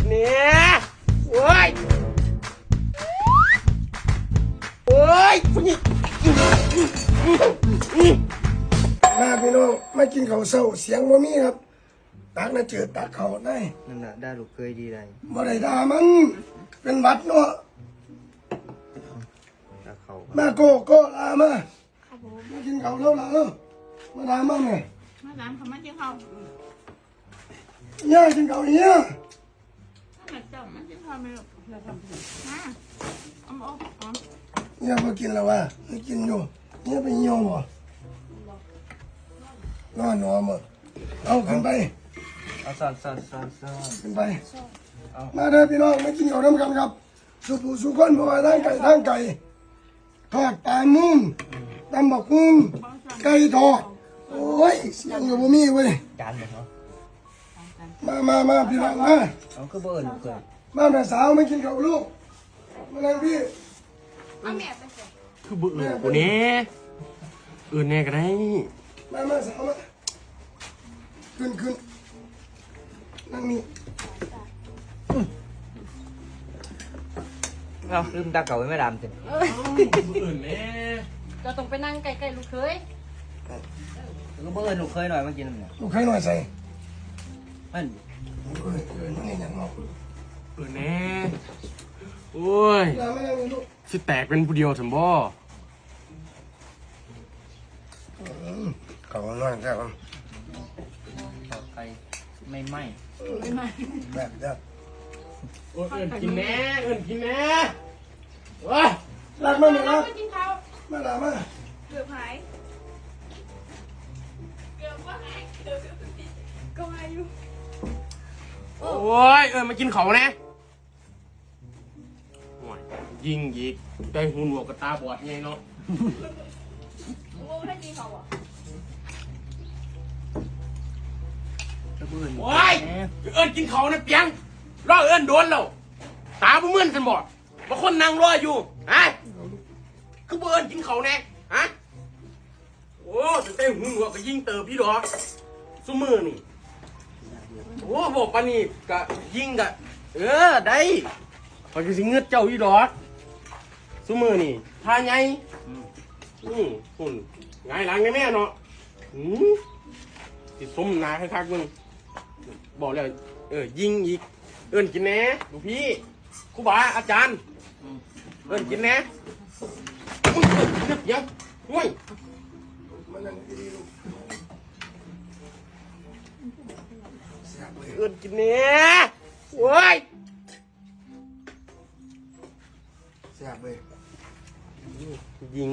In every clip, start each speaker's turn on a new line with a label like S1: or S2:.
S1: เนี่ยโอ้ยโอ้ยผู้หญิง
S2: มาพี่น้องมากินข้าวเช้าเสียงบ่มีครับตักน่ะเจอตักเขาได้
S3: นั่นน่ะได้ลูกเคยดีได้
S2: บ่ได้ด่ามันเป็นหวัดเนาะ
S3: ถ้าเขา
S2: มาโก้ลามามากินข้าวแล้วล่ะมาด่ามันไง
S4: มาร้านเขามาที่เขา
S2: ย่ากินข้าวเนี่ย
S4: ถ้ามาจับมาที่เขาไม่หรอกเราทำผิดมาเอามาเอา
S2: ย่าบ่กินแล้วว่ะไม่กินอยู่เนี่ยไปเหี่ยวบ่นอนหนอมเอาขึ้นไป
S3: เอาซ่อน
S2: ขึ้นไปมาเด้อพี่น้องมากินข้าวน้ำกันครับสุคนเพราะว่าทางไก่ทอดปลามุ้งตำบักหุ่งไก่ทอดโอ้ยเสียงอยู่บ่มีเว้ย
S3: จานบ่เนาะ
S2: มาพี่น้องมา
S3: เอาคือบ่เอิ้นลูกเคย
S2: มาแม่สาวไม่กินข้าวลูกมานั่งพี่
S4: เอาแม่ไปใส่
S1: คือบุอื่นกูเนี่ยอื่นเนี่ยก็ได้
S2: มาสาวมาขึ้นนั่งนี่
S3: เอาลืมตาเก่าไว้ไม่ดำสิ
S1: บุอื่นเนี่ย
S4: เราต้องไปนั่งใกล้ๆลูกเคย
S3: ก็บ่เอิ้นลูกเคยหน่อยมากินเนี่ย
S2: ลูกใครหน่อยใส่
S3: มัน
S2: นี่อย่างเนาะ
S1: อื่นเนี่ยโอ้ย
S2: มานั่งนี่ลูก
S1: สิแตกเป็นผู้เดียวถึงบ่
S2: เขาหน่อยแค่กัน
S3: ต่อไปไม่ไหม้
S2: แบบเด้อ
S1: โอ้ยอื่นกินแน่อื่นกินแน่ว้า
S2: รักมาไหมรัก
S4: ไปกินข้าว
S2: มาลามา
S4: เกือบหายเกือบว่าหายเกือบก็มาอยู่
S1: โอ้ยมากินเขาแน่โอ้ยยิงอีกได้หูหนวกกับตาบอดไงเนาะ
S4: โอ้ให้กินเขาอ่ะ
S3: ก็บ่เอิ้น
S1: โอ้ยกินเขานะเปียงรอโดนแล้วตาบ่เหมือนกันบ่บางคนนั่งรออยู่ฮะคือบ่กินเขาแน่ฮะโอ้แต่ได้หูหนวกก็ยิงเติบพี่ดอกซุมือนี่โอ้บอกปานนี้ก็ยิงก็ได้พอยก็สิเงือดเจ้าอีดอกซุมือนี่ท่าใหญ่หุ่นไงหลังแน่ๆเนาะติดสมนาคักๆมึงบอกแล้วยิงอีกกินแหน่ลูกพี่ครูบาอาจารย์กินแหน่มึงกินนะยังห่วย
S2: มานั่งดีๆลูกเสียบเลย
S1: กินแหน่โว้ย
S2: เสียบเลย
S1: ยิง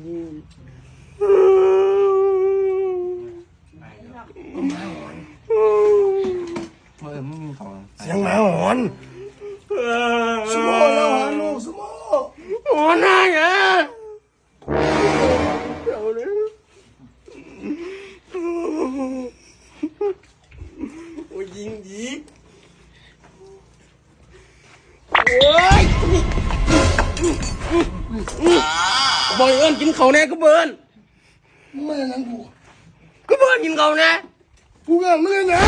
S3: บ่เอิ้นมันมีของ
S2: เสียงหมาหอนสมอแล้วหอนลูกสมอ
S1: โอ้นายอ่ะเอาเลยโอ้ยิงอีกโอ้ยบอยกินเขาแน่ก็เบิร์น
S2: มึงไม่ยังกู
S1: ก็เบิร์นกินเขาแน่
S2: กูก็ไม่ยัง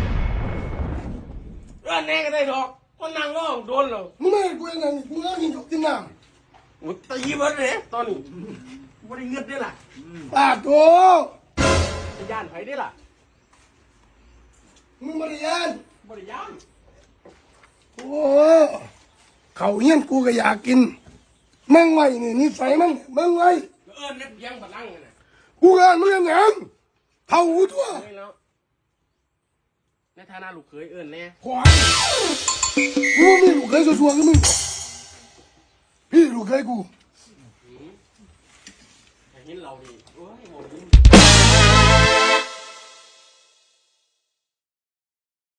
S1: แน่ก็ได้ดอกคนนั่งร้องโดนแล้ว
S2: มึงไม่กูยังกูก็กินกับกินน้
S1: โอ้ตีเบิร์นเลยตอนนี้บริเงินได้ล่ะ
S2: ำปาดโต
S1: จะย่านไผได้ล่ะ
S2: มึงบริยาน
S1: บริย่าน
S2: โอ้เขาเฮี้ยนกูก็อยากกินมึงไว้นี่นิสัยมึงไว้
S1: เน็บยังบัดนั่งเลยนะ
S2: กูก็มึงยังเท่าหูทั่ว
S1: เฮ้ยแล้วในฐานะลูกเขยแน่
S2: ขวานกูมีลูกเคยสัวๆกับมึงพี่ลูกเคยกู
S1: เห็นเราดิโอ้ยโห